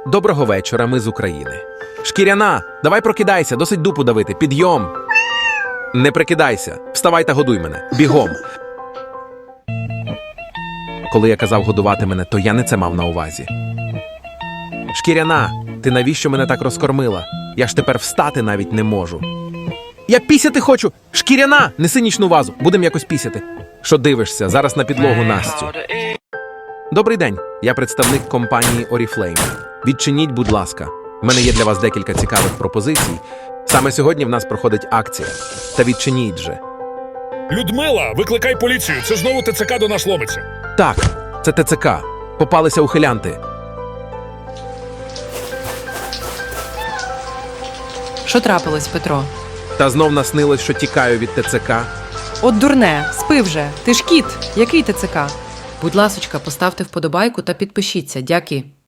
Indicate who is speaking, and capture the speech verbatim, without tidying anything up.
Speaker 1: Доброго вечора, ми з України. Шкіряна, давай прокидайся, досить дупу давити, підйом. Не прикидайся, вставай та годуй мене, бігом. Коли я казав годувати мене, то я не це мав на увазі. Шкіряна, ти навіщо мене так розкормила? Я ж тепер встати навіть не можу. Я пісяти хочу! Шкіряна, неси нічну вазу, будем якось пісяти. Що дивишся, зараз на підлогу Настю. Добрий день, я представник компанії Oriflame. Відчиніть, будь ласка. У мене є для вас декілька цікавих пропозицій. Саме сьогодні в нас проходить акція. Та відчиніть же.
Speaker 2: Людмила, викликай поліцію, це знову ТЦК до нас ломиться.
Speaker 1: Так, це ТЦК. Попалися ухилянти.
Speaker 3: Що трапилось, Петро?
Speaker 1: Та знов наснилось, що тікаю від ТЦК.
Speaker 3: От дурне, спи вже. Ти ж кіт. Який ТЦК? Будь ласочка, поставте вподобайку та підпишіться. Дяки.